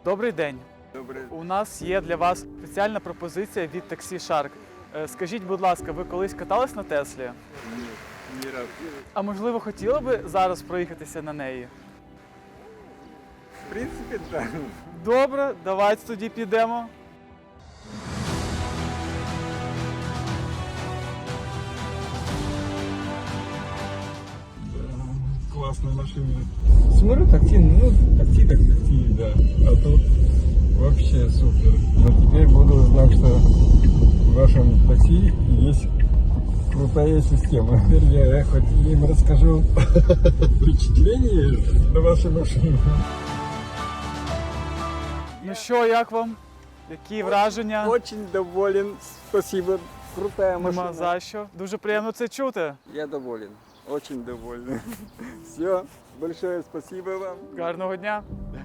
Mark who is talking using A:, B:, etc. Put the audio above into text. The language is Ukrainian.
A: Добрий день.
B: Добре.
A: У нас є для вас спеціальна пропозиція від Taxi Shark. Скажіть, будь ласка, ви колись катались на Теслі?
B: Ні, ні разу.
A: А можливо, хотіли би зараз проїхатися на неї?
B: В принципі, так.
A: Добре, давайте тоді підемо.
C: Классная машина. Смотрю, такси, ну, такси так такси, да. А тут вообще супер. Но теперь буду знать, что в вашем такси есть крутая система. Теперь я хоть им расскажу впечатление на вашей машине.
A: Ну що, як вам? Які враження?
B: Очень доволен. Спасибо. Крутая
A: Нема
B: машина.
A: за що. Дуже приємно це чути.
B: Я доволен. Очень доволен. Все. Большое спасибо вам.
A: Гарного дня.